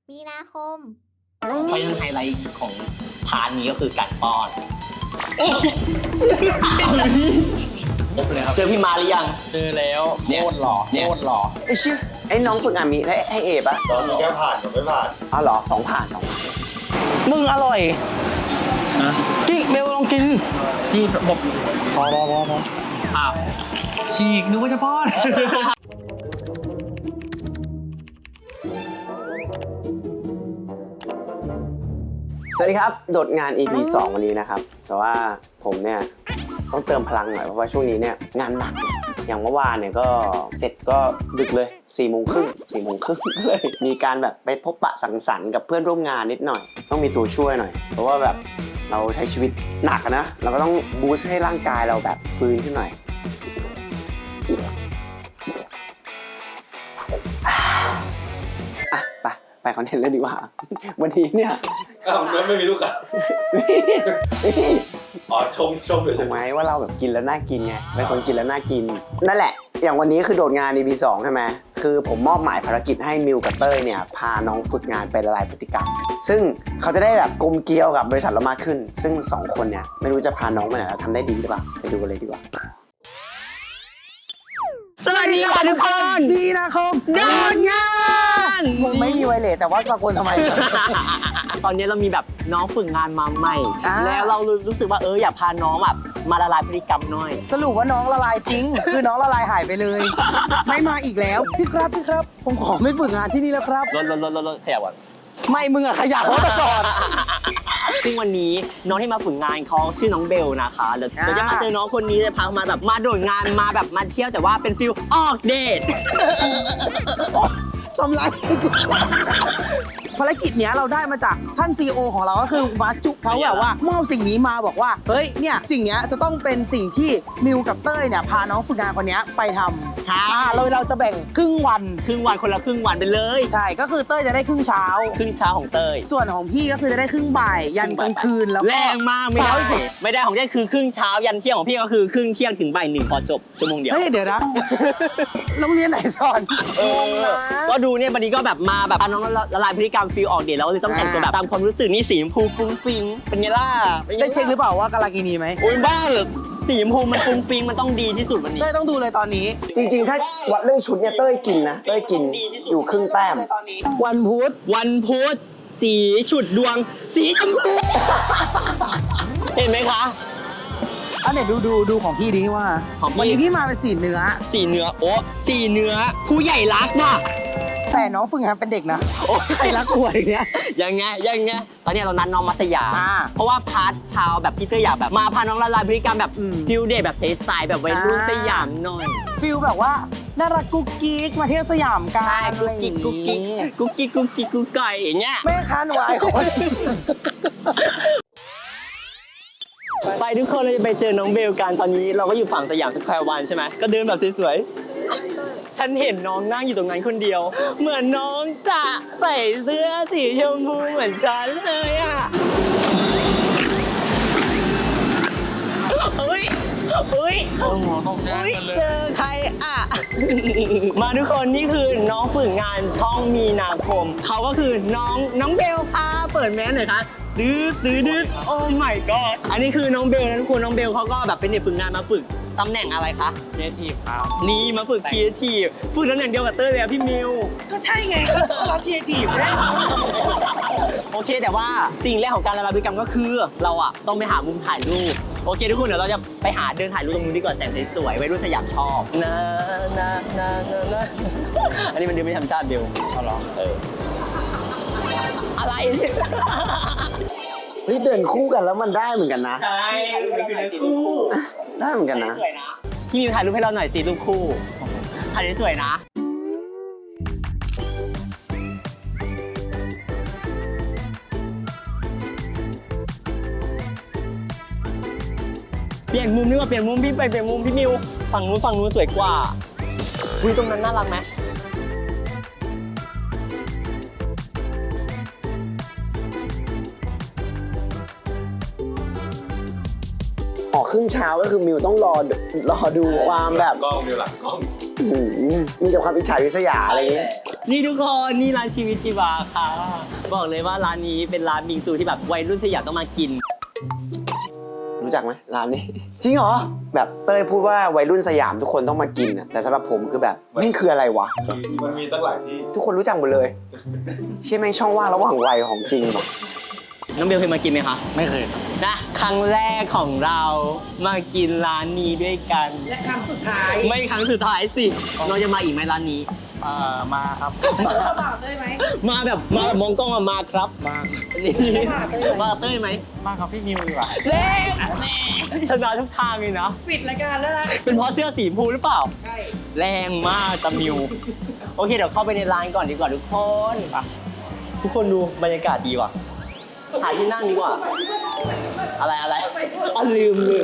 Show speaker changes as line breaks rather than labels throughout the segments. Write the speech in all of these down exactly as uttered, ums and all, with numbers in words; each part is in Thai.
มีนาคม
เพราะฉะนั้นไฮไลท์ของพาร์ทนี้ก็คือการป้อนเจอพี่มาหรือยัง
เจอแล้วโคตรหล่อโคตรหล่อ
ไอ้ชื่อไอ้น้องฝึกงานมีให้ให้เอปะ
ตอนมีแค่ผ่านกับไม่ผ่าน
อ๋อเหรอสองผ่านสองผ่าน
มึงอร่อยนะกิ๊กเบลลองกินนี่บอกพอพอพอพออ้าวฉีกนึกว่าจะป้อน
สวัสดีครับโดดงาน อี พี สองวันนี้นะครับแต่ว่าผมเนี่ยต้องเติมพลังหน่อยเพราะว่าช่วงนี้เนี่ยงานหนักอย่างเมื่อวานเนี่ยก็เสร็จก็ดึกเลยสี่โมงครึ่งสี่โมงครึ่งก็เลยมีการแบบไปพบปะสังสรรค์กับเพื่อนร่วมงานนิดหน่อยต้องมีตัวช่วยหน่อยเพราะว่าแบบเราใช้ชีวิตหนักนะเราก็ต้องบูสต์ให้ร่างกายเราแบบฟื้นขึ้นหน่อยอ่ะไปไปคอนเทนต์เลยดีกว่าวันนี้เนี่ย
อ้าวไม่มีลูกอ่ะอ๋อชมชมเลยใช่
ไหมว่าเราแบบกินแล้วน่ากินไงเป็นคนกินแล้วน่ากินนั่นแหละอย่างวันนี้คือโดดงาน อี พี สองใช่ไหมคือผมมอบหมายภารกิจให้มิวกับเต้ยเนี่ยพาน้องฝึกงานไปละลายพฤติกรรมซึ่งเขาจะได้แบบกลมเกลียวกับบริษัทเรามากขึ้นซึ่งสองคนเนี่ยไม่รู้จะพาน้องไปไหนแล้วทำได้ดีหรือเปล่าไปดูกันเลยดีกว่า
สวัสดีค่ะทุกคน
ดีนะคมโดดงานมึงไม่มีไวเลสแต่ว่าตะโกนทำไม
ตอนนี้เรามีแบบน้องฝึกงานมาใหม่แล้วเรารู้สึกว่าเอออยากพาน้องแบบมาละลายพฤติกรรมหน่อย
สรุปว่าน้องละลายจริง คือน้องละลายหายไปเลย ไม่มาอีกแล้วพี่ครับพี่ครับผมขอไม่ฝึกงานที่นี่แล้วครับ
ลดลดลดลดลดขยับก่อน
ไม่มึงอะขยับรถก่อน
ซึ่งวันนี้น้องที่มาฝึกงานเขาชื่อน้องเบลนะคะเดี๋ยวจะมาเจอน้องคนนี้จะพามาแบบมาโดดงานมาแบบมาเที่ยวแต่ว่าเป็นฟิลออกเดท
สำลักภารกิจเนี้ยเราได้มาจากท่านซีอีโอของเราก็คือมาจุเขาแบบว่ามอบสิ่งนี้มาบอกว่าเฮ้ยเนี่ยสิ่งเนี้ยจะต้องเป็นสิ่งที่มิวกับเต้ยเนี่ยพาน้องฝึกงานคนนี้ไปทำ
ใช่
เลยเราจะแบ่งครึ่งวัน
ครึ่งวันคนละครึ่งวันไปเลย
ใช่ก็คือเต้ยจะได้ครึ่งเช้า
ครึ่งเช้าของเต้ย
ส่วนของพี่ก็คือจะได้ครึ่งบ่ายยันกลางคืนแล้ว
แรงมากไม่ได้ไม่ได้ของเต้ยคือครึ่งเช้ายันเที่ยงของพี่ก็คือครึ่งเที่ยงถึงบ่ายหนึ่งพอจบชั่วโมงเดียว
เฮ้ยเดี๋ยวนะโรงเรียนไหนสอน
ก็ดูเนี่ยวันนี้ก็แบบมาแบบน้องละลายพฤติกรรมฟิลออกเดทแล้วเลยต้องแต่งตัวแบบตามความรู้สึกนี่สีชมพูฟุ้งฟิ้งเป็นไงล่ะ
ได้เช็คหรือเปล่าว่ากาลากินีไหม
โอ้ยบ้าเหรอสีชมพูมันฟุ้งฟิ้งมันต้องดีที่สุดวันนี้
เต้ยต้องดูเลยตอนนี้
จริงๆถ้าวัดเรื่องชุดเนี่ยเต้ยกินนะเต้ยกินอยู่ครึ่งแต้ม
วันพุธ
วันพุธสีฉุดดวงสีชมพูเห็นไหมคะ
อันไหนดูดูดูของพี่ดีว่าวันนี้พี่มาเป็นสีเนื้อ
สีเนื้อโอ้สีเนื้อผู้ใหญ่รักว่ะ
แต่น้องฝึกงานเป็นเด็กนะใครรักหัวอย่างเงี้ย
ยังไงยังไงตอนนี้เรานัดน้องมาสยามเพราะว่าพาร์ทเช้าแบบพี่เตอร์อยากแบบมาพาน้องละลายพฤติกรรมแบบฟิลเดทแบบเซสไตล์แบบวัยรุ่นสยามหน่อย
ฟิลแบบว่าน่ารักกุ๊กกิ๊กมาเที่ยวสยามกัน
ใช่กุ๊กกิ๊กกุ๊กกิ๊กกุ๊กกิ๊กกุ๊กกิ๊กกุ๊กไก่อย่างเงี้ย
แม่ค้าหนูไอคน
ไปทุกคนเราจะไปเจอน้องเบลกันตอนนี้เราก็อยู่ฝั่งสยามสแควร์วันใช่ไหมก็เดินแบบสวยๆฉันเห็นน้องนั่งอยู่ตรงนั้นคนเดียวเหมือนน้องสะใส่เสื้อสีชมพูเหมือนฉันเลยอ่ะเฮ้ยเฮ้ยเจอใครอ่ะมาทุกคนนี่คือน้องฝึกงานช่องมีนาคมเขาก็คือน้องน้องเบลค่ะเปิดแมสหน่อยคะดื้อดื้อดื้อโอ้ my god อันนี้คือน้องเบลนะทุกคนน้องเบลเขาก็แบบเป็นเด็กฝึกงานมาฝึกตำแหน่งอะไรคะ
ครีเอทีฟครับ
นี่มาฝึกครีเอทีฟฝึกตำแหน่งเดียวกับเต้ยเลยพี่มิว
ก็ใช่ไงเราครีเอทีฟเลย
โอเคแต่ว่าสิ่งแรกของการละลายพฤติกรรมก็คือเราอะต้องไปหามุมถ่ายรูปโอเคทุกคนเดี๋ยวเราจะไปหาเดินถ่ายรูปตรงนู้นดีกว่าแสงสวยๆไว้รุ่นสยามชอบนะนะนะนะอันนี้มันดูไม่ธรรมชาติเบล
เอาหรอ
เอออะไร
เฮ้ยเดินคู่กันแล้วมันได้เหมือนกันนะ
ใช่มันคือเดินคู่
ได้เหมือนกันนะ
พี่มิวถ่ายรูปให้เราหน่อยสิรูปคู่ถ่ายสวยนะเปลี่ยนมุมดีกว่าเปลี่ยนมุมพี่ไปเปลี่ยนมุมพี่มิวฝั่งนู้นฝั่งนู้นสวยกว่าคุยตรงนั้นน่ารักไหม
ออกครึ่งเช้าก็คือมิวต้องรอรอดูความแบบ
กล้องมิวหลังกล้อง
มีแต่ความอิจฉาริษยาอะไรอย่างเงี้ย
นี่ทุกคนนี่ร้านชีวิตชีวาค่ะ บอกเลยว่าร้านนี้เป็นร้านบิงซูที่แบบวัยรุ่นสยามต้องมากิน
รู้จักไหมร้านนี้ จริงเหรอ แบบเต้ยพูดว่าวัยรุ่นสยามทุกคนต้องมากินอะแต่สำหรับผมคือแบบนี่คืออะไรวะ
มันมีตั้งหลายที่
ทุกคนรู้จักหมดเลย เชื่อแม่งช่องว่างระหว่างวัยของจริงว่ะ
น้องเบลเคยมากินไหมคะ
ไม่เคย
นะครั้งแรกของเรามากินร้านนี้ด้วยกัน
และครั้งสุดท้าย
ไม่ครั้งสุดท้ายสิเราจะมาอีกไหมร้านนี้
เอ่อมาครับ
บาทได้ไหม
มาแบบมาแบบมองกล้องอะมาครับ
มา
นี่
มาเต้ยไหม
มาเต้ยไหม
มาครับพี่มิวดีกว่า
เล่ชนะทุกทางเลยนะ
ปิดรายการแล้วนะ
เป็นเพราะเสื้อสีชมพูหรือเปล่า
ใช่
แรงมากตะมิว โอเคเดี๋ยวเข้าไปในร้านก่อนดีกว่าทุกคนไปทุกคนดูบรรยากาศดีว่ะหาที่นั่งดีกว่า อะไรอะไรอ๋อลืมลืม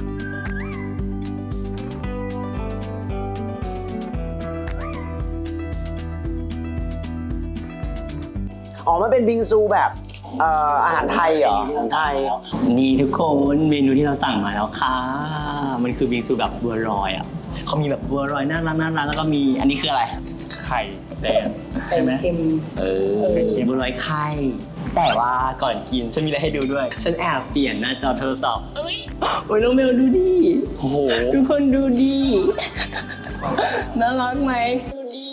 อ๋อ มันเป็นบิงซูแบบเอ่ออาหารไทยเหรออาหารไทย
นี่ทุกคนเมนูที่เราสั่งมาแล้วค่ะ มันคือบิงซูแบบบัวลอยอ่ะเขามีแบบบัวลอยน่ารักน่ารักแล้วก็มีอันนี้คืออะไร
ไข่แดงใช่ไหม
เออบัวลอยไข่แต่ว่าก่อนกินฉันมีอะไรให้ดูด้วย ฉันแอบเปลี่ยนหน้าจอโทรศัพท์เอ้ยโอ้ยน้องเมลดูดิ
โอ้โห
ทุกคนดูดิน่ารักไหมดูดิ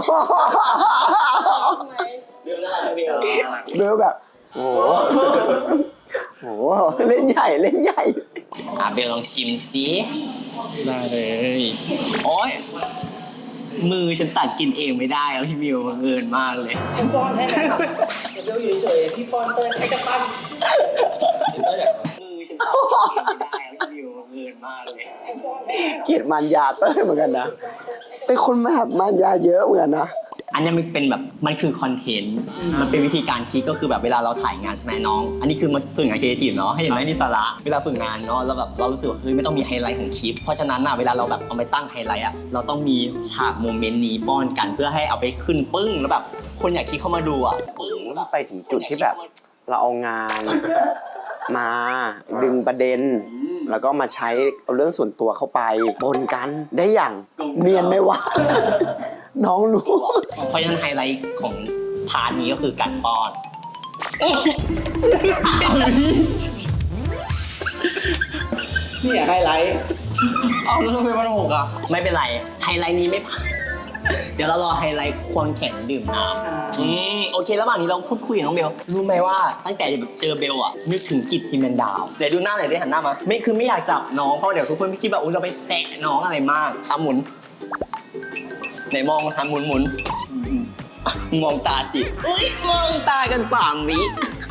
เบลน่ารักไหมเบล
เบลแบบ โอ้โหโอ้โหเล่นใหญ่เล่นใหญ่
อ่ะเบลลองชิมสิ
ได้เลย
โอ๊ยมือฉันตัดกินเองไม่ได้แล้วพี่มิวบังเอิญมากเลย
ผมป้อนให้นะครับเดี๋ยวอยู่เฉยๆพี่ป้อนเต้ยให้กระตั้ง
มือฉันตัดกินเองไม่ได้แล้วพี่มิวบังเอิญมากเลย
เกลียดมันยาเต้ยเหมือนกันนะ เป็นคนแบบมันยาเยอะเหมือนกันนะ
อันนี้มันเป็นแบบมันคือคอนเทนต์ มันเป็นวิธีการคิดก็คือแบบเวลาเราถ่ายงานใช่ไหมน้อง อันนี้คือมาฝึกงานครีเอทีฟเนาะให้เห็นไหมนี่สาระเวลาฝึกงานเนาะเราแบบเรารู้สึกว่าเฮ้ยไม่ต้องมีไฮไลท์ของคลิป เพราะฉะนั้นอะเวลาเราแบบเอาไปตั้งไฮไลท์อะเราต้องมีฉากโมเมนต์นี้ป้อนกันเพื่อให้เอาไปขึ้นปึ้งแล้วแบบคนอยากคลิกเข้ามาดูอะปึ้งแล้วแบบ
ไปถึงจุดที่แบบเราเอางาน มาดึงประเด็น แล้วก็มาใช้เอาเรื่องส่วนตัวเข้าไปปนกันได้อย่างเนียนไหมวะ น้องรู้
เพราะฉะนั้นไฮไลท์ของพาร์ทนี้ก็คือการป้อน
นี่ไฮไลท์
เอาแล้วทำไมมันหกอ่ะไม่เป็นไรไฮไลท์นี้ไม่ผ่าน เดี๋ยวเรารอไฮไลท์ควงแขนดื่มน้ำอืมโอเคระหว่างนี้เราพูดคุยกับน้องเบลรู้ไหมว่าตั้งแต่เจอเบลอ่ะนึกถึงกิจพิมพ์ดาวเดี๋ยวดูหน้าหน่อยได้หันหน้ามาไม่คือไม่อยากจับน้องเพราะเดี๋ยวทุกคนไม่คิดว่าอุ้ยเราไปแตะน้องอะไรมากทำหมุนไหนมองทำหมุนหมุนมองตาจิอุ้ยมองตากันสามวิ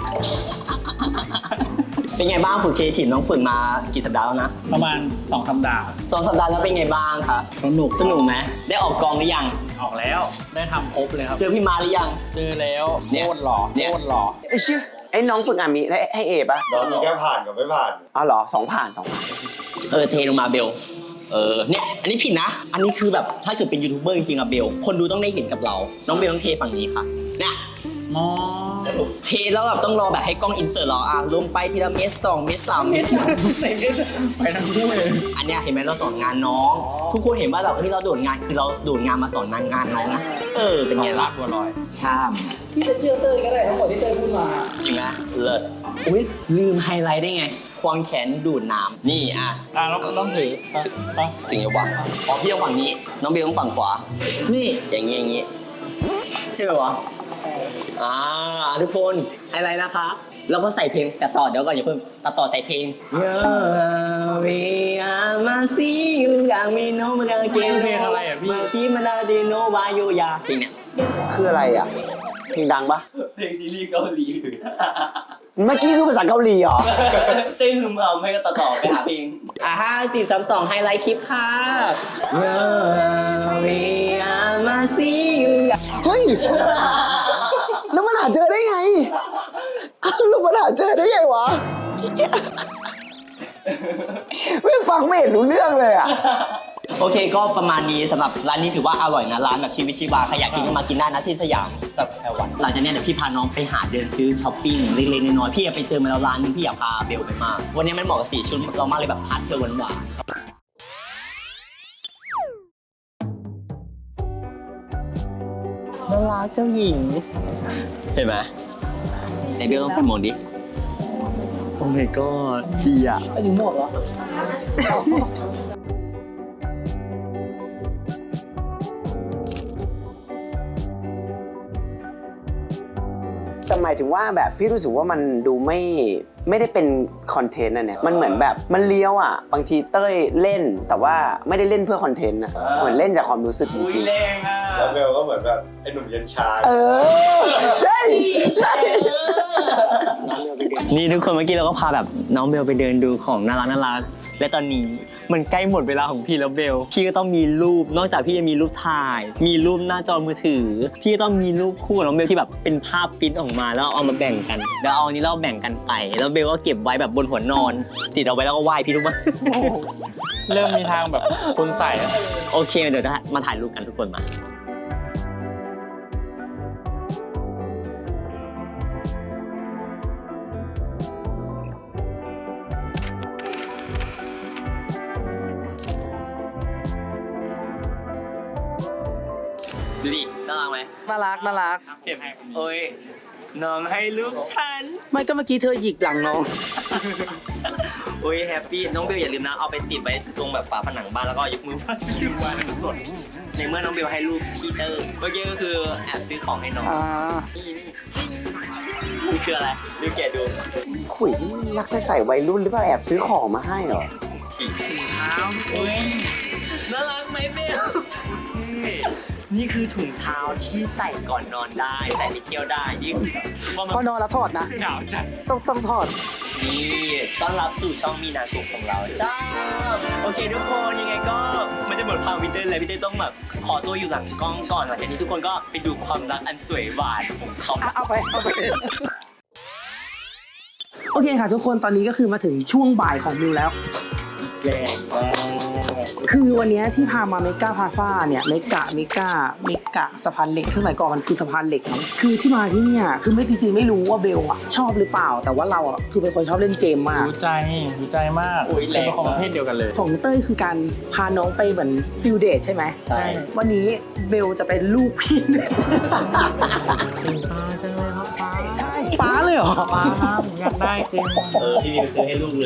เป็นไงบ้างฝึกเคทีน้องฝึกมากี่สัปดาห์แล้วนะ
ประมาณสองสัปดาห์
สองสัปดาห์แล้วเป็นไงบ้างคะ
สนุก
สนุกไหมได้ออกกองหรือยัง
ออกแล้ว ได้ทำครบเลยครับ
เจอพี่มาหรือยัง
เจอแล้ว
เนี่ย
โคตรหล่อ
เนี่ย
โคตรหล่อ
ไอ้ชื่อไอ้น้องฝึกงานมีได้ให้เอปะ
เรามีแค่ผ่านกับไม่ผ่าน
อ๋อเหรอสองผ่านสองผ่าน
เออเทลงมาเบล เออเนี่ยอันนี้ผิดนะ อันนี้คือแบบถ้าเกิดเป็นยูทูบเบอร์จริงๆอะเบล คนดูต้องได้เห็นกับเรา น้องเบลต้องเทฝั่งนี้ค่ะเนี่ย
อ๋อ
เทแล้วแบบต้องรอแบบให้กล้องอินเสิร์ตเราอ่ะลงไปทีละเม็ดสองเม็ดสามเม็ด
ไปทั้งคู่เลย
อันเนี้ยเห็นไหมเราสอนงานน้อง ทุกคนเห็นว่าแบบเฮ้ยเราโดดงานคือเราโดดงานมาสอนงานงานน้องนะเออเป็นไงล่ะ
บัวลอย
ชาม
ที่จะเชื่อเต้ยก็ได้ทั้งหมดที่เต้ยพูดมา
จริงไหมเลิศอุ้ยลืมไฮไลท์ได้ไง ควงแขนดูดน้ำนี่อ่ะ
อ่ะเราต้องถืออ่ะอ่ะ
ถึงจะวางอ๋อพี่ต้องฝั่งนี้ น้องเบลต้องฝั่งขวา นี่อย่างงี้อย่างงี้ใช่ไหมวะอ่าทุกคนไฮไลท์นะคะแล้วก็ใส่เพลงแต่ต่อเดี๋ยวก่อนอย่าเพิ่งตัดต่อใส่เพลง Yeah, we are masi you got me no มันกางเกง
เพลงอะไรอ่ะพี่
มาที่มันได้ดีโนวาโยยาเพลงเนี้ย
คืออะไรอ่ะ เพลงดังปะ
เพลงซีรีส์เกาหลี
เมื่อกี้คือภาษาเกาหลีเหรอ
เต้นหึมเอาไม่ก็ตัดต่อไปหาเพลงอ่ะห้าสี่สามสองไฮไลท์คลิปค่ะ Yeah, we are masi you got
เฮ้ย แล้วมันหาเจอได้ไงอ้าวแล้วมันหาเจอได้ไงวะ ไม่ฟังไม่เห็นรู้เรื่องเลยอ่ะ
โอเคก็ประมาณนี้สำหรับร้านนี้ถือว่าอร่อยนะร้านแบบชีวิตชีวาใครอยากกินก็มากินได้นะที่สยามสักแอลวันหลังจากนี้เดี๋ยวพี่พาน้องไปหาเดินซื้อช้อปปิ้งเล็กๆน้อยๆพี่อยากไปเจอมาแล้วร้านนึงพี่อยากพาเบลไปมากวันนี้มันเหมาะกับสีชุดเรามากเลยแบบพาสเทลหวานๆน่ารักเจ้าหญิง เห็นไหมไอเบลต้องใส่หมวกดิ โอ้ my god ดีอ่ะ
ไปถึงหมวกเหรอ
แต่หมายถึงว่าแบบพี่รู้สึกว่ามันดูไม่ไม่ได้เป็นคอนเทนต์นะเนี่ยมันเหมือนแบบมันเลี้ยวอ่ะบางทีเต้ยเล่นแต่ว่าไม่ได้เล่นเพื่อคอนเทนต์นะเหมือนเล่นจากความรู้สึกจริง
แรงอ่ะแล้วเบลก็เหมือนแบบไอ้หนุ่มเย็นชา
ๆเออใช่ใช่
นี่ทุกคนเมื่อกี้เราก็พาแบบน้องเบลไปเดินดูของน่ารักน่ารักและตอนนี้มันใกล้หมดเวลาของพี่แล้วเบลพี่ก็ต้องมีรูปนอกจากพี่จะมีรูปถ่าย มีรูปหน้าจอมือถือ พี่ก็ต้องมีรูปคู่ของน้องเบลที่แบบเป็นภาพปริ้นออกมาแล้วเอามาแบ่งกันแล้วเอาอันนี้เราแบ่งกันไปแล้วเบลก็เก็บไว้แบบบนหัวนอน ติดเอาไว้แล้วก็ไหว้พี่รู้ไหม
เริ่มมีทางแบบคุณใส่แล้ว
โอเคเดี๋ยวมาถ่ายรูปกันทุกคนมาดูดิน่ารักไหม
น่ารักน่ารัก
เก็บโอ้ยน้องให้ลูกฉัน
ไม่ก็เมื่อกี้เธอหยิกหลังน้อง
โอ้ยแฮปปี้น้องเบลอย่าลืมนะเอาไปติดไว้ตรงแบบฝาผนังบ้านแล้วก็ยกมือไหว้ยกมือไหว้ให้มันสดในเมื่อน้องเบลให้รูปพี่เตอร์เมื่อกี้ก็คือแอบซื้อของให้น้อง
อ่า
นี่นี่นี่คืออะไรดูแกะดู
ขุยรักใส่ใส่วัยรุ่นหรือเปล่าแอบซื้อของมาให้เหรอ
สีถุงเท้าโอ้ยน่ารักไหมเบลนี่คือถุงเท้าที่ใส่ก่อนนอนได้ใส่ไปเที่ยวได้นี่คือ
พอนอนแล้วถอดนะ
หนาวจัด
ต้องต้องถอด
นี่ต้อนรับสู่ช่องมีนาคมของเราใช่โอเคทุกคนยังไงก็มันจะหมดความวินเทอร์เลยพี่เต้ต้องแบบขอตัวอยู่หลังกล้องก่อนหลังจากนี้ทุกคนก็ไปดูความรักอันสวยหวานของเขา
อ่ะเอาไปเอาไป โอเคค่ะทุกคนตอนนี้ก็คือมาถึงช่วงบ่ายของมิวแล้ว
แรงมาก
คือวันนี้ที่พามาเมกาพาซ่าเนี่ยเมกะเมกาเมกะสะพานเหล็กซึ่งสมัยก่อนมันคือสะพานเหล็กเนอะคือที่มาที่เนี่ยคือไม่จริงๆไม่รู้ว่าเบลอะชอบหรือเปล่า แต่ว่าเราอะคือเป็นคนชอบเล่นเกมมาก
รู้ใจรู้ใจมากฉันเป็นคนประเภทเดียวกันเลย
ของเต้ยคือการพาน้องไปเหมือนฟิลเดทใช่ไหม
ใช่
วันนี้เบลจะเป็นลูกพี่เนี่ย
ตาจังเลยครับป้า
ใช่ป้าเลยเหรอ
ป้าครับอยากได้เกม
เออพี่วิวซื้อให้ลูกเลย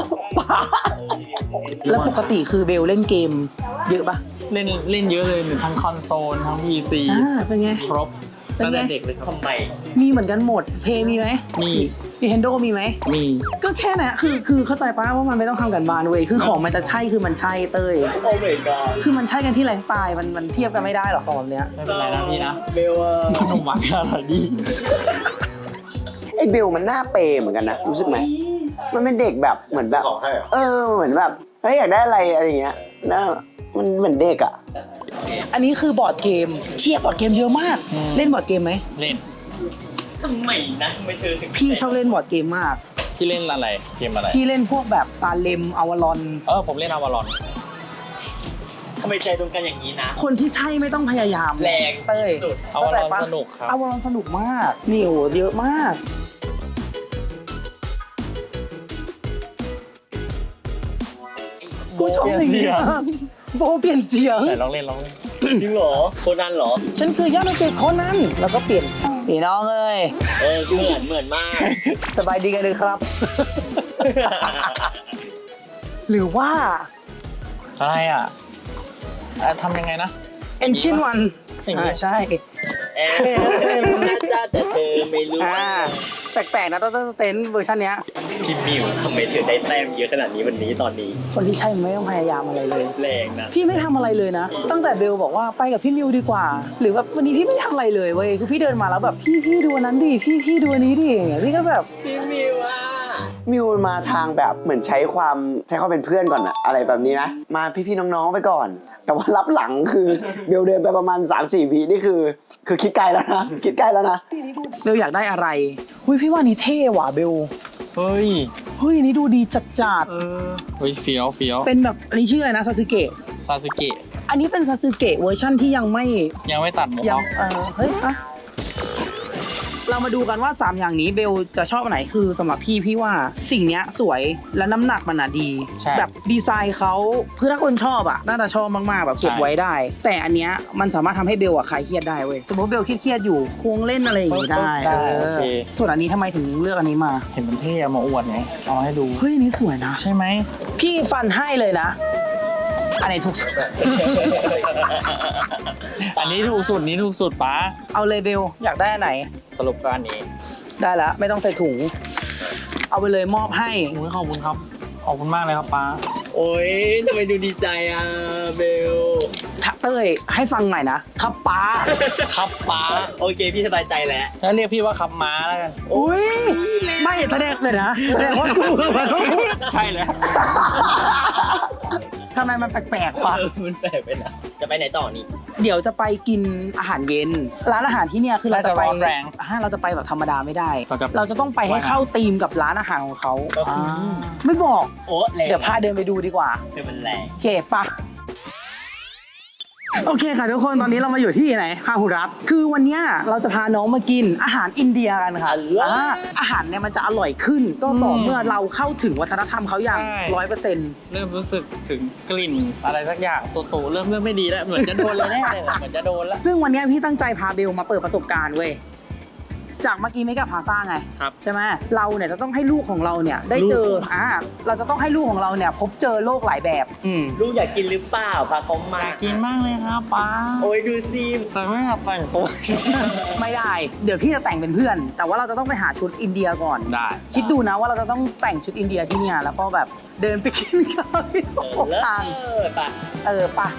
แล้วปกติคือเบลเล่นเกมเยอะปะ
เล่นเล่นเยอะเลยทั้งคอนโซลทั้ง พี ซี
อ่าเป็นไง
ครบ
เป็น
ตั้ง
ไง
แต่เด็กเลยครับ
ทำไม
มีเหมือนกันหมดเพย์มีไหม
มี
Nintendo มีไหม
มี
ก็แค่นั้นคือคือเข้าใจป้าว่ามันไม่ต้องทำกันบ้านเว้ยคือของมันจะใช่คือมันใช่เต้ย
โอ้ my god
คือมันใช่กันที่ไลฟ์สไตล์มันมันเทียบกันไม่ได้หรอกของแบบเนี้ย
ไม่เป็นไรนะพี่นะ
เบลอะ
ขนมหวานอร่อยดี
ไอ้เบลมันหน้าเปย์เหมือนกันนะรู้สึกไหมมันเป็นเด็กแบบเหมือนแบบ
ของให้เหรอ
เออเหมือนแบบเฮ้ยอยากได้อะไรอะไรอย่างเงี้ยนะมันเหมือนเด็กอ่ะ
อันนี้คือบอร์ดเกมเชียร์บอร์ดเกมเยอะมาก
อืม
เล่นบอร์ดเกมไหม
เล่น
ทำไมนะทำไมเธอถึง
พี่ชอบเล่นบอร์ดเกมมาก
พี่เล่นอะไรเกมอะไร
พี่เล่นพวกแบบซาเลมอวารอน
เออผมเล่นอวารอน
ทำไมใจตรงกันอย่างนี้นะ
คนที่ใช่ไม่ต้องพยายาม
แรง
เต้ย
สุด
อวารอน
เข้าใจปะ
สนุกครับ
อวารอนสนุกมากนี่โหเยอะมากกูชอบอย่างนี้มากโบเปลี่ยนเสียง
ไหนลองเล่นลองเล่น
จริงเหรอโคนันเหรอ
ฉันคือยอดนักเตะคนนั้นแล้วก็เปลี่ยนพี่น้องเอ้ย
เออเหมือนเหมือนมาก
สบายดีกันเลยครับ หรือว่า
อะไรอ่ะอ่ะทำยังไงนะ
Engine วัน
อย่างนี้
อ่าใช่
เออน่าจะแต่เธอไม่รู้
อ่าแปลกๆนะต้นเต้นเวอร์ชันเนี้ย
พี่มิวทำไมเธอได้แต้มเยอะขนาดนี้วันนี้ตอนนี้
คนที่ใช่มันไม่ต้องพยายามอะไรเลย
แรงนะ
พี่ไม่ทำอะไรเลยนะ ตั้งแต่เบลบอกว่าไปกับพี่มิวดีกว่า หรือแบบวันนี้พี่ไม่ทำอะไรเลยเว้ยคือพี่เดินมาแล้วแบบพี่พี่ดูอันนั้นดิพี่พี่ดูอันนี้ดิอย่างเงี้ยพี่ก็แบบ
พี่มิวอ่ะ
มิวมาทางแบบเหมือนใช้ความใช้ความเป็นเพื่อนก่อนอะอะไรแบบนี้นะ มาพี่ๆน้องๆไปก่อน แต่ว่ารับหลังคือเบลเดินไปประมาณ สามสี่ วินี่คือ คือคิดไกลแล้วนะคิดไกลแล้วนะ
เบลอยากได้อะไรหุ้ยพี่ว่านี่เท่ว่ะเบล
เฮ้ย
เฮ้ยนี่ดูดีจัดจัด
เออเฮ้ยเฟี้ยวเฟี้ยว
ๆเป็นแบบอันนี้ชื่ออะไรนะซาสึเกะ
ซาสึเกะ
อันนี้เป็นซาสึเกะเวอร์ชั่นที่ยังไม่
ยังไม่ตัดหมวก
ยั
เขา
งเออเฮ้ยอะเรามาดูกันว่าสามอย่างนี้เบลจะชอบอันไหนคือสำหรับพี่พี่ว่าสิ่งเนี้ยสวยและน้ำหนักมันอะดี แบบดีไซน์เขาคือถ้าคนชอบอะน่าจะชอบมากๆแบบเก็บไว้ได้ แต่อันเนี้ยมันสามารถทำให้เบลอะคลายเครียดได้เว้ยสมมติเบลเครียดๆอยู่ควงเล่นอะไรอย่างงี้ได้
ได้
เอ
โอ
อ
เค
ส่วนอันนี้ทำไมถึงเลือกอันนี้มา
เห็นมันเท่เอามาอวดไงเอามาให้ดู
เฮ้ยอันนี้สวยนะ
ใช่ไหม
พี่ฟันให้เลยนะอันไหนถูกสุด
อันนี้ถูกสุดนี้ถูกสุดป้า
เอาเลยเบลอยากได้อันไหน
สรุปก็อันนี้
ได้แล้วไม่ต้องใส่ถุง เอาไปเลยมอบให้
โอ้ยขอบคุณครับขอบคุณมากเลยครับป้า
โอ้ยทำไมดูดีใจอ่ะเบล
ทักเต้ยให้ฟังหน่อยนะครับป้า
ครับป้า
โอเคพี่สบายใจแล้ว
ถ้าเรียกพี่ว่าครับม้าแล้วกัน
อุ้ยไม่แสดงเลยนะแสดงว่ากูมัน
ใช่เลย
ทำไมมันแปลกๆวะ
เออมันแปลกไปนะจะไปไหนต่อนี่
เดี๋ยวจะไปกินอาหารเย็น ร้านอาหารที่เนี่ยคือเราจะไป
น่าจะร้อนแรง
อ่าเราจะไปแบบธรรมดาไม่ได้
เราจะ
เราจะต้องไปให้เข้าธีมกับร้านอาหารของเขา
ก็คือ
ไม่บอก
โอ้แรง
เดี๋ยวพาเดินไปดูดีกว่า
คือมันแรง
โอเคปะโอเคค่ะทุกคนตอนนี้เรามาอยู่ที่ไหนฮาหุรัตคือวันเนี้ยเราจะพาน้องมากินอาหารอินเดียกันค่ะอ่าอาหารเนี่ยมันจะอร่อยขึ้น ก็ต่อเมื่อเราเข้าถึงวัฒนธรรมเขาอย่างร้อยเปอร์เซ็นต์
เริ่มรู้สึกถึงกลิ่นอะไรสักอย่างตัวโตเริ่มเริ่มไม่ดีแล้วเหมือนจะโดนเลยแน่เลยเหมือนจะโดนแล้ว
ซึ่งวันเนี้ยพี่ตั้งใจพาเบลมาเปิดประสบการณ์เว้ยจากเมื่อกี้ไม่กับพาซ่าไง
ครับ
ใช่ไหมเราเนี่ยจะต้องให้ลูกของเราเนี่ยได้เจออ่าเราจะต้องให้ลูกของเราเนี่ยพบเจอโลกหลายแบบอืม
ลูกอยากกินหรือเปล่าพาเขามา
อยากกินมากเลยครับป้า
โอ้ยดูซิ
แต่ไม่อยากแต่งตัว
ไม่ได้ เดี๋ยวพี่จะแต่งเป็นเพื่อน แต่ว่าเราจะต้องไปหาชุดอินเดียก่อน
ได้
คิดดูนะว่าเราจะต้องแต่งชุดอินเดียที่เนี่ยแล้วก็แบบเดินไปกินข้าวที่
เออเลิศ
ต่าง
เออไป
เออปะ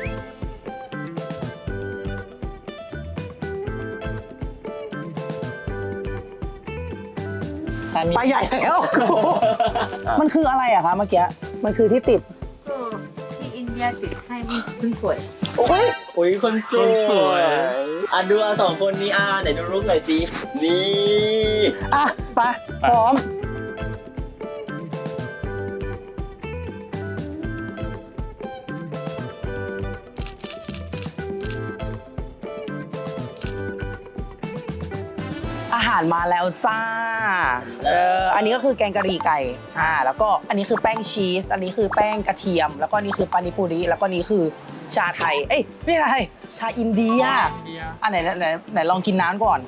อันนี้
ไปใหญ่แล้ว มันคืออะไรอะคะเมื่อกี้ มันคือที่ติด
ก็ที่อินเดียติดให้มันเพิ่งสวย
โอ้ย
โอ้ยคนสวยอ่ะดูอ่ะสองคนนี้อ่ะไหนดูรูปหน่อยสินี่
อ่ะไปพร้อม อาหารมาแล้วจ้า เออ อันนี้ก็คือแกงกะหรี่ไก่ อ่า แล้วก็อันนี้คือแป้งชีส อันนี้คือแป้งกระเทียม แล้วก็นี่คือปานิปุริ แล้วก็นี่คือชาไทย เอ้ย ไม่ใช่ ชาอินเดีย
เดีย
อันไหนไหนไหนลองกินน้ำก่อน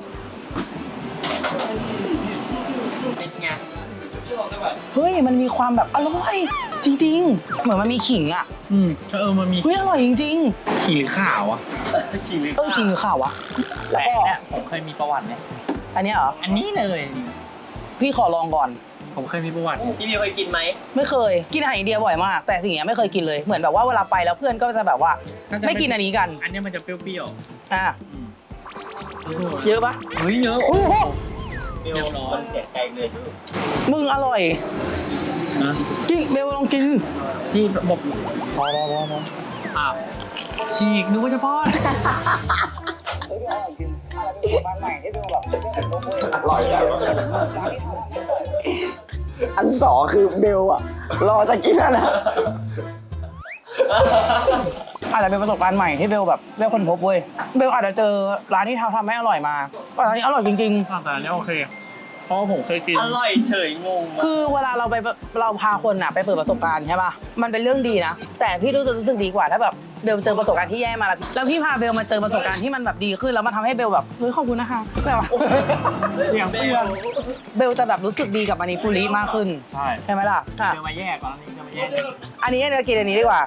เป็นไง
เฮ้ย มันมีความแบบอร่อยจริงๆ เหมือนมันมีขิงอ่ะ
อืมเออมันมี
เฮ้ยอร่อยจริง
ขีหรือข่าวอ่ะ
ขี่หรือ
ๆ เออขิงหรือข่าววะ แล้
แต่
วก็
เนี่ยผมเคยมีประวัติเนี่ย
อันเนี้ยเหรอ
อันนี้เลย
พี่ขอลองก่อน
ผมเคยมีประวัติ
พี่มิวเคยกินไหม
ไม่เคย กินอาหารอินเดียบ่อยมาก แต่สิ่งเนี้ยไม่เคยกินเลย เหมือนแบบว่าเวลาไปแล้วเพื่อนก็จะแบบว่า
น่าจะ
ไม่กินอันนี้กัน
อันนี้มันจะเปรี้ยว
อ่ะ
ๆอืม
เยอะปะ
เฮ้ยเยอะ
โอ้โห
มิวนอนเสียใจเลย
มึงอร่อย
นะ
กินเบลลองกิน
ที่บอกพอพอพอพออ่ะฉีกนึกว่าจะป้อน
อร่อยแล้วอันสองคือเบลอะรอจะกินแล้วนะ
อาจจะเป็นประสบการณ์ใหม่ที่เบลแบบเบลคนพบเว้ย เบลอาจจะเจอร้านที่ทำทำให้อร่อยมาแต่ร้านนี้อร่อยจริง
แต่อันนี้โอเค เพราะว่าผมเคยกิน
อร่อยเฉยงง
ๆ คือเวลาเราไปเราพาคนอะไปเปิดประสบการณ์ใช่ป่ะ มันเป็นเรื่องดีนะ แต่พี่รู้สึกรู้สึกดีกว่าถ้าแบบเบลเจอประสบการณ์ที่แย่มาแล้วแล้วพี่พาเบลมาเจอประสบการณ์ที่มันแบบดีขึ้นแล้วมันทำให้เบลแบบเฮ้ยขอบคุณนะคะแบบว่า
อย่างเพื่อน
เบลจะแบบรู้สึกดีกับมานิปุริมากขึ้น
ใช่
ใช่ไหมล่ะอ่ะ
เดี๋ยวมาแยกก่อนอันนี้จะมาแยก
อันนี้เรากินอันนี้ดีกว่า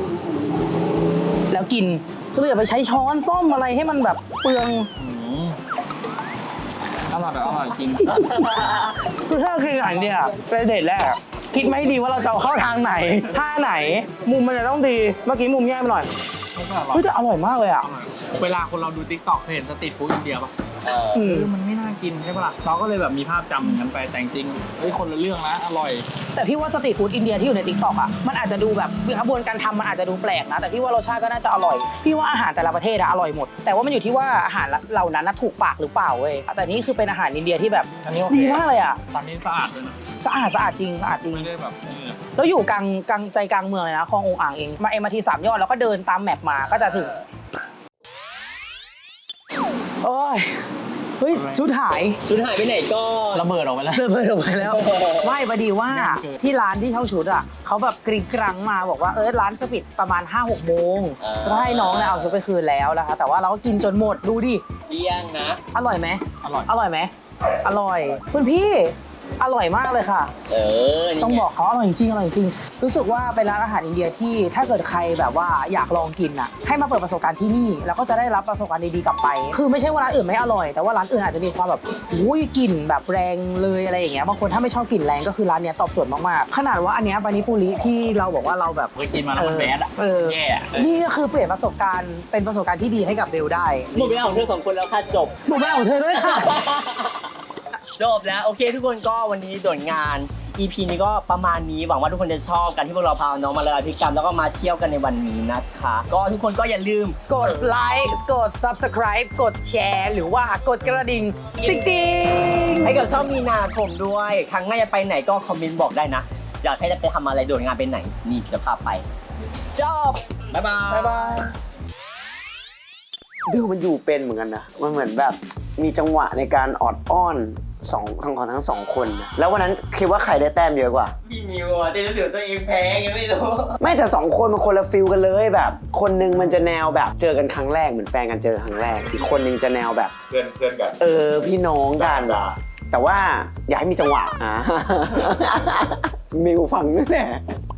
แล้วกินคืออย่าไปใช้ช้อนส้อมอะไรให้มันแบบเปลือง
อืมอร่อยแบบอร่อยจริง
คือถ้าเรากินอาหารเนี่ยเป็นเดทแรกอะคิดไม่ดีว่าเราจะเอาเข้าทางไหนท่าไหน มุมมันจะต้องดี เมื่อกี้มุมแย่ไปหน่อย
มันก็อร่อย
เฮ้ยแต่อร่อยมากเลยอ่ะ
อร่อยเวลาคนเราดูติ๊กต็อกเคยเห็นสตรีทฟู้ดอินเดียป่ะ
เออ
อื
เอ
ม
อมันไม่น่ากินใช่ปะล่ะเราก็เลยแบบมีภาพจำอย่างนั้นไปแต่จริงๆเฮ้ยคนละเรื่องนะอร่อย
แต่พี่ว่าสตรีทฟู้ดอินเดียที่อยู่ในติ๊กต็อกอ่ะมันอาจจะดูแบบกระบวนการทำมันอาจจะดูแปลกนะ แต่พี่ว่ารสชาติก็น่าจะอร่อย พี่ว่าอาหารแต่ละประเทศอะอร่อยหมด แต่ว่ามันอยู่ที่ว่าอาหารเหล่านั้นน่ะถูกปากหรือเปล่าเว้ยแต่นี่คือเป็นอาหารอินเดียที่แบบ
อันนี้โอเค
ดีมากเลยอ่ะ
ตอนนี้สะอาดเลยนะ
สะอาดสะอาดจริงสะอาดจริง
ไม่ได้แบบนี่อะ
แล้วอยู่กลางกลางใจกลางเมืองเลยนะคลององอ่างเองมาเอ็มอาร์ทีสามยอดแล้วก็เดินตามแมปมาก็จะถึงโอ้ยเฮ้ยชุดหาย
ชุดหายไปไหนก็
ระเบิดออกไปแล้ว
เดินไปลงไปแล้วไม่พอดีว่าที่ร้านที่เช่าชุดอ่ะเขาแบบกริ๊งกรังมาบอกว่าเออร้านจะปิดประมาณ ห้าหกโมงก็ให้น้องเนี่ยเอาชุดไปคืนแล้วนะคะแต่ว่าเราก็กินจนหมดดูดิ
เลี้ยงนะ
อร่อยไหม
อร่อย
อร่อยไหมอร่อยคุณพี่อร่อยมากเลยค่ะ
เออนี่
ต้องบอกเขาอร่อยจริงอร่อยจริงรู้สึกว่าเป็นร้านอาหารอินเดียที่ถ้าเกิดใครแบบว่าอยากลองกินอ่ะให้มาเปิดประสบการณ์ที่นี่แล้วก็จะได้รับประสบการณ์ดีๆกลับไป คือไม่ใช่ว่าร้านอื่นไม่อร่อยแต่ว่าร้านอื่นอาจจะมีความแบบอุ้ยกลิ่นแบบแรงเลยอะไรอย่างเงี้ยบางคนถ้าไม่ชอบกลิ่นแรงก็คือร้านเนี้ยตอบโจทย์มากๆขนาดว่าอันเนี้ยปานิปุริที่เราบอกว่าเราแบบ
เคยกินมาแล้วมันแบดอะ
เออ
แย่อะ
นี่ก็คือเปลี่ยนประสบการณ์เป็นประสบการณ์ที่ดีให้กับเบลได้
หมดเวลาของเธอสองคนแล้วค่ะจบ
หนูไม่เอาเธอด้วยค่ะ
จบแล้วโอเคทุกคนก็วันนี้โดดงาน อี พี นี้ก็ประมาณนี้หวังว่าทุกคนจะชอบกันที่พวกเราพาน้องมาละลายพฤติกรรมแล้วก็มาเที่ยวกันในวันนี้นะคะ ก็ทุกคนก็อย่าลืม
กดไลค์กด subscribe กดแชร์หรือว่ากดกระดิ่งติ๊งติ๊ง
ให้กับช่องมีนาคมด้วย ครั้งหน้าจะไปไหนก็คอมเมนต์บอกได้นะ อยากให้จะไปทำอะไรโดดงานไปไหน นี่จะพาไป
จบ
บ๊ายบาย
บ๊ายบาย
บิวมันอยู่เป็นเหมือนกันนะ มันเหมือนแบบมีจังหวะในการออดอ้อนสองทั้งของทั้งสองคนนะแล้ววันนั้นคิดว่าใครได้แต้มเยอะกว่า
พี่มิวอ่ะเต้นรู้สึกตัวเองแพ้ยังไม่รู้
ไม่แต่สองคนมันคนละฟิลกันเลยแบบ คนหนึงมันจะแนวแบบเจอกันครั้งแรกเหมือนแฟนกันเจอครั้งแรก อีกคนหนึงจะแนวแบบ
เพื่อนเพื่อนกัน
เออพี่น้องกัน
ด่า
แต่ว่าอย่าให้มีจังหวะอ่า มิวฟังนั่นแหละ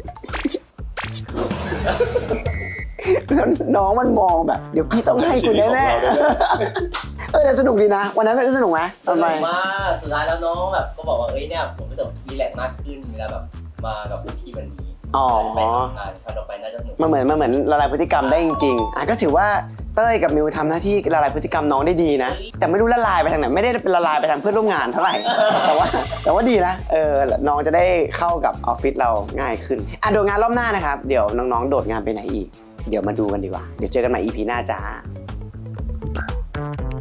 แล้วน้องมันมองแบบ เดี๋ยวพี่ต้องให้คุณแน่ๆเออแต่สนุกดีนะ วันนั้นมันก็สนุกไหม
สนุกมากสุดท้ายแล้วน้องแบบก็บอกว่าเอ้ยเนี่ยผมรู้สึกรีแลกซ์มากขึ้นเวลาแบบมากับพี่วันนี้
อ๋อ
ไปทำงานครั้งต่อไปน่าจะสนุก
มันเหมือนมันเหมือนละลายพฤติกรรมได้จริงๆอ่ะก็ถือว่าเต้ยกับมิวทำหน้าที่ละลายพฤติกรรมน้องได้ดีนะ แต่ไม่รู้ละลายไปทางไหนไม่ได้ละลายไปทางเพื่อนร่วมงานเท่าไหร่ แต่ว่าแต่ว่าดีนะเออน้องจะได้เข้ากับออฟฟิศเราง่ายขึ้นอ่ะโดดงานรอบหน้านะครับเดี๋ยวน้องๆโดดงานไปไหนอีกเดี๋ยวมาดูกันดีกว่าเดี๋ยวเจอกันใหม่ อี พี หน้าจ้า